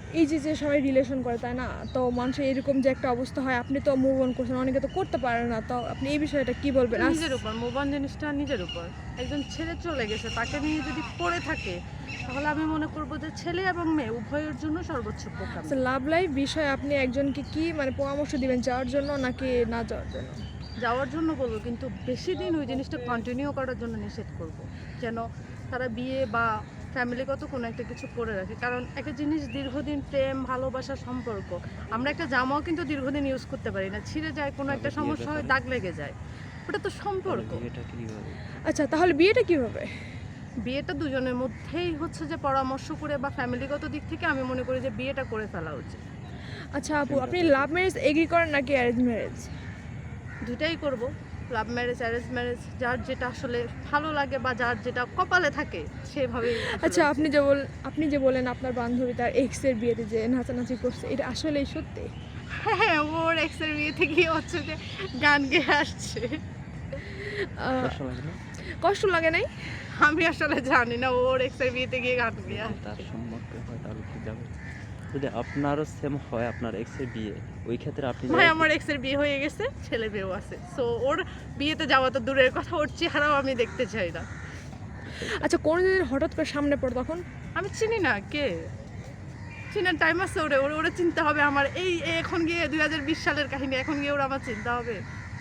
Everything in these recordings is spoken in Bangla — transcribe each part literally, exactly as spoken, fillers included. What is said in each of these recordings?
এই যে যে সবাই রিলেশন করে তাই না, তো মানুষের এরকম যে একটা অবস্থা হয়, আপনি তো মুভ অন করছেন, অনেকে তো করতে পারে না, তো আপনি এই বিষয়টা কি বলবেন? আস- নিজের উপর মুভ অন জিনিসটা নিজের উপর। একজন ছেড়ে চলে গেছে, তাকে নিয়ে যদি পড়ে থাকে তাহলে আমি মনে করব যে ছেলে এবং মেয়ে উভয়ের জন্য সর্বোচ্চ বোকামি। লাভ লাইফ বিষয়ে আপনি একজনকে কি মানে পরামর্শ দিবেন, যাওয়ার জন্য নাকি না যাওয়ার জন্য? যাওয়ার জন্য বলবো, কিন্তু বেশি দিন ওই জিনিসটা কন্টিনিউ করার জন্য নিষেধ করব, যেন তারা বিয়ে বা ফ্যামিলিগত কোনো একটা কিছু করে রাখে। কারণ একটা জিনিস দীর্ঘদিন প্রেম ভালোবাসা সম্পর্ক, আমরা একটা জামাও কিন্তু দীর্ঘদিন ইউজ করতে পারি না, ছিঁড়ে যায়, কোনো একটা সমস্যা হয়, দাগ লেগে যায়, ওটা তো সম্পর্ক। আচ্ছা, তাহলে বিয়েটা কিভাবে? বিয়েটা দুজনের মধ্যেই হচ্ছে যে পরামর্শ করে বা ফ্যামিলিগত দিক থেকে আমি মনে করি যে বিয়েটা করে ফেলা উচিত। আচ্ছা আপু, আপনি লাভ ম্যারেজ এগ্রি করেন নাকি অ্যারেঞ্জ ম্যারেজ? দুটাই করব, লাভ ম্যারেজ অ্যারেঞ্জ ম্যারেজ, যার যেটা আসলে ভালো লাগে বা যার যেটা কপালে থাকে সেভাবেই আসলে আচ্ছা, উচিত। আপনি যে বল আপনি যে বলেন আপনার বান্ধবী তার এক্স এর বিয়েতে যে নাচানাচি করছে, এটা আসলেই সত্যি? হ্যাঁ, ওর এক্সের বিয়েতে গিয়ে হচ্ছে যে গান গেয়ে আসছে। আহ, কষ্ট লাগে না? কষ্ট লাগে নাই? আমি আসলে জানি না ওর এক্সের বিয়েতে গিয়ে গান গেয়ে যদি আসছে। তার সম্পর্কে হয় তাহলে কি যাবে? যদি আপনারও সেম হয়, আপনার এক্সের বিয়ে, ওই ক্ষেত্রে আপনি ভাই যাবেন কি? আমার এক্সের বিয়ে হয়ে গেছে, ছেলে মেয়েও আছে, সো ওর বিয়েতে যাওয়া তো দূরের কথা, ওর চেহারাও আমি দেখতে চাই না। আচ্ছা, কোনোদিন হঠাৎ করে সামনে পড়ে তখন? আমি চিনি না কে, চিনার টাইম আছে ওরে, ওরে ওরে চিনতে হবে আমার। এই এই এখন গিয়ে দুই হাজার বিশ সালের কাহিনী, এখন গিয়ে ওরা আমার চিনতে হবে।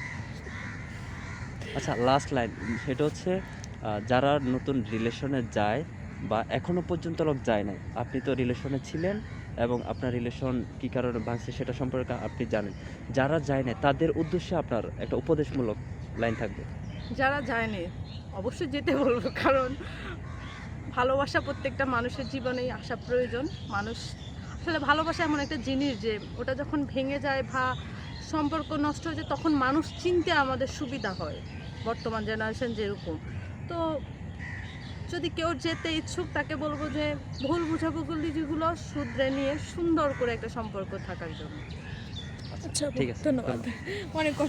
আচ্ছা, লাস্ট লাইন সেটা হচ্ছে আহ, যারা নতুন রিলেশনে যায় বা এখনো পর্যন্ত লোক যায় নাই, আপনি তো রিলেশনে ছিলেন এবং আপনার রিলেশন কী কারণে ভাঙছে সেটা সম্পর্কে আপনি জানেন, যারা যায় না তাদের উদ্দেশ্যে আপনার একটা উপদেশমূলক লাইন থাকবে। যারা যায়নি অবশ্যই যেতে বলবো, কারণ ভালোবাসা প্রত্যেকটা মানুষের জীবনেই আসা প্রয়োজন। মানুষ আসলে ভালোবাসা এমন একটা জিনিস যে ওটা যখন ভেঙে যায় বা সম্পর্ক নষ্ট হয়ে যায় তখন মানুষ চিনতে আমাদের সুবিধা হয়, বর্তমান জেনারেশন যেরকম। তো যদি কেউ যেতে ইচ্ছুক তাকে বলবো যে ভুল বুঝাবুঝি যেগুলো শুধরে নিয়ে সুন্দর করে একটা সম্পর্ক থাকার জন্য। আচ্ছা আপু, ঠিক আছে, ধন্যবাদ। অনেক কষ্ট